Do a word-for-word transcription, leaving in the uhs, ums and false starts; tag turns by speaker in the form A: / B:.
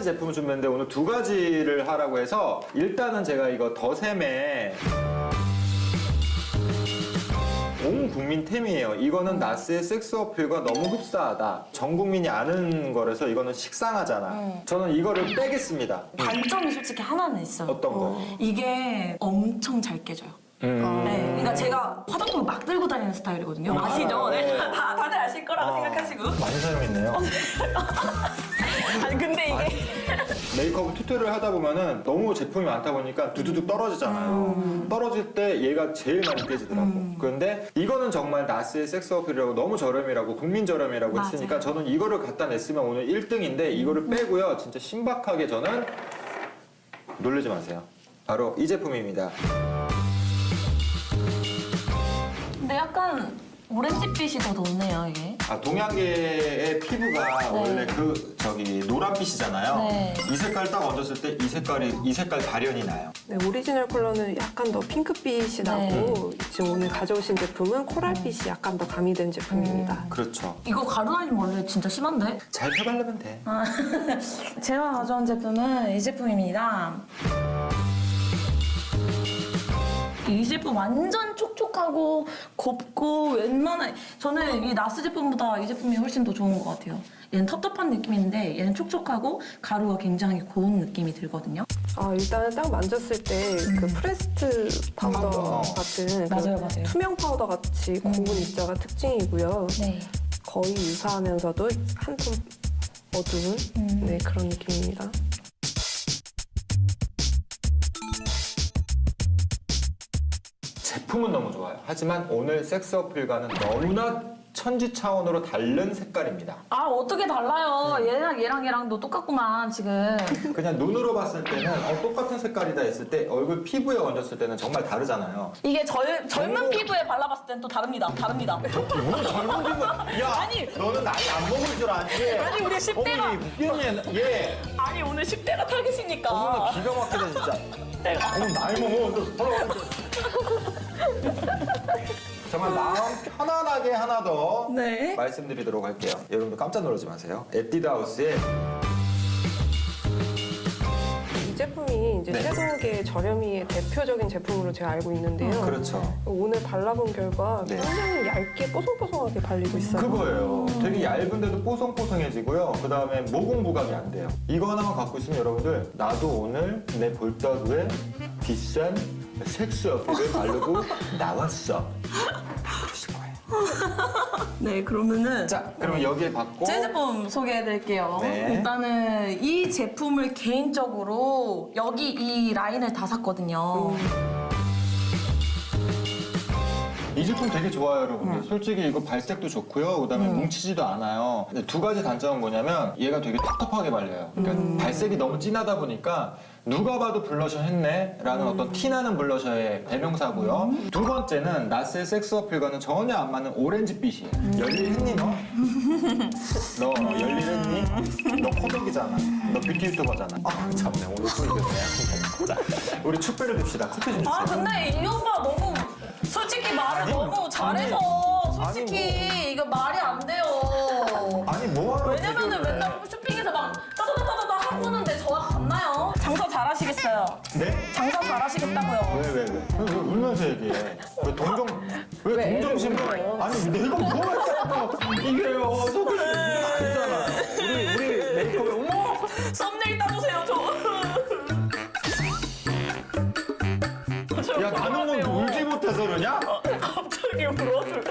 A: 가지 제품을 준비했는데 오늘 두 가지를 하라고 해서 일단은 제가 이거 더샘의 온 국민템이에요. 이거는 나스의 섹스 어필과 너무 흡사하다. 전 국민이 아는 거라서 이거는 식상하잖아.
B: 음.
A: 저는 이거를 빼겠습니다.
B: 단점이 솔직히 하나는 있어요.
A: 어떤 거?
B: 이게 엄청 잘 깨져요.
A: 음.
B: 네, 그러니까 제가 화장품을 막 들고 다니는 스타일이거든요. 아시죠? 네. 다, 다들 아실 거라고
A: 아,
B: 생각하시고.
A: 많이 사용했네요.
B: 아니, 근데 이게.
A: 메이크업 튜토리얼 하다 보면은 너무 제품이 많다 보니까 두두둑 떨어지잖아요.
B: 음.
A: 떨어질 때 얘가 제일 많이 깨지더라고.
B: 음.
A: 그런데 이거는 정말 나스의 섹스 어필이라고 너무 저렴이라고 국민 저렴이라고
B: 맞아요.
A: 했으니까 저는 이거를 갖다 냈으면 오늘 일 등인데 이거를 빼고요. 진짜 신박하게 저는 놀라지 마세요. 바로 이 제품입니다.
B: 근데 약간 오렌지빛이 더 돋네요, 이게.
A: 아, 동양계의 피부가
B: 네.
A: 원래 그 저기 노란빛이잖아요.
B: 네.
A: 이 색깔 딱 얹었을 때 이 색깔이 이 색깔 발현이 나요.
C: 네, 오리지널 컬러는 약간 더 핑크빛이 나고 지금 오늘 가져오신 제품은 코랄빛이 약간 더 가미된 제품입니다.
A: 그렇죠.
B: 이거 가루다니면 원래 진짜 심한데?
A: 잘 펴바르면 돼.
B: 아, 제가 가져온 제품은 이 제품입니다. 이 제품 완전 촉촉하고 곱고 웬만한 저는 이 나스 제품보다 이 제품이 훨씬 더 좋은 것 같아요. 얘는 텁텁한 느낌인데 얘는 촉촉하고 가루가 굉장히 고운 느낌이 들거든요.
C: 아, 일단은 딱 만졌을 때 그 프레스트 파우더
A: 파우더.
C: 같은 그
B: 맞아요, 맞아요.
C: 투명 파우더 같이 고운 입자가 특징이고요.
B: 네.
C: 거의 유사하면서도 한 톤 어두운
B: 음.
C: 네, 그런 느낌입니다.
A: 제품은 너무 좋아요. 하지만 오늘 섹스 어필과는 너무나 천지 차원으로 다른 색깔입니다.
B: 아 어떻게 달라요? 얘랑 얘랑 얘랑도 똑같구만 지금.
A: 그냥 눈으로 봤을 때는 어, 똑같은 색깔이다 했을 때 얼굴 피부에 얹었을 때는 정말 다르잖아요.
B: 이게 젊, 젊은
A: 너무-
B: 피부에 발라봤을 땐 또 다릅니다. 다릅니다.
A: 뭐 젊은 피부? 야,
B: 아니.
A: 너는 나이 안 먹을 줄 알지?
B: 아니, 우리 십 대가-
A: 어머니 웃겠니? 얘.
B: 아니 오늘 십 대가 타겟이니까.
A: 어머니 기가 막히다 진짜.
B: 내가.
A: 어머니 나이 먹어. 정말 마음 편안하게 하나 더
B: 네.
A: 말씀드리도록 할게요. 여러분들 깜짝 놀라지 마세요. 에뛰드하우스의
C: 이 제품이 이제
A: 네.
C: 섀도우계 저렴이의 대표적인 제품으로 제가 알고 있는데요.
A: 그렇죠.
C: 오늘 발라본 결과
A: 네.
C: 굉장히 얇게 뽀송뽀송하게 발리고 있어요.
A: 그거예요. 되게 얇은데도 뽀송뽀송해지고요. 그 다음에 모공 부각이 안 돼요. 이거 하나만 갖고 있으면 여러분들 나도 오늘 내 볼따구에 비싼 섹스 어필을 바르고 나왔어. 다 그러실 거예요.
B: 네 그러면은
A: 자, 그러면 여기에 받고
B: 제 제품 소개해드릴게요.
A: 네.
B: 일단은 이 제품을 개인적으로 여기 이 라인을 다 샀거든요.
A: 이 제품 되게 좋아요, 여러분들. 솔직히 이거 발색도 좋고요. 그다음에 뭉치지도 않아요. 근데 두 가지 단점은 뭐냐면 얘가 되게 텁텁하게 발려요. 그러니까 발색이 너무 진하다 보니까 누가 봐도 블러셔 했네 라는 어떤 티나는 블러셔의 대명사고요. 두 번째는 나스의 섹스 어필과는 전혀 안 맞는 오렌지빛이에요. 열일했니 너? 너 열일했니? 너 코덕이잖아. 너 뷰티 유튜버잖아. 아 참네 오늘 또 이겼네. 자, 우리 축배를 줍시다. 커피 좀 주세요.
B: 아 근데 이 오빠 너무 솔직히 말을
A: 아니,
B: 너무 잘해서
A: 아니,
B: 솔직히 이거 말이 안 돼요.
A: 아니 뭐하러
B: 왜냐면은
A: 비교를 해?
B: 맨날 쇼핑에서 막 따다다다다다 하고는데 저와 같나요? 장사 잘하시겠어요.
A: 네?
B: 장사 잘하시겠다고요.
A: 왜, 왜, 왜? 왜, 왜 울면서 얘기해? 왜 동정, 왜,
C: 왜
A: 동정심?
C: 애를 울어요?
A: 아니, 내가 뭐가 있다고. 이게요, 속을 아니잖아. 우리, 우리 메이크업에, 어머!
B: 썸네일 따주세요, 저. 저
A: 야, 나는 뭐
B: 그러세요.
A: 울지 못해서 그러냐?
B: 갑자기 울어서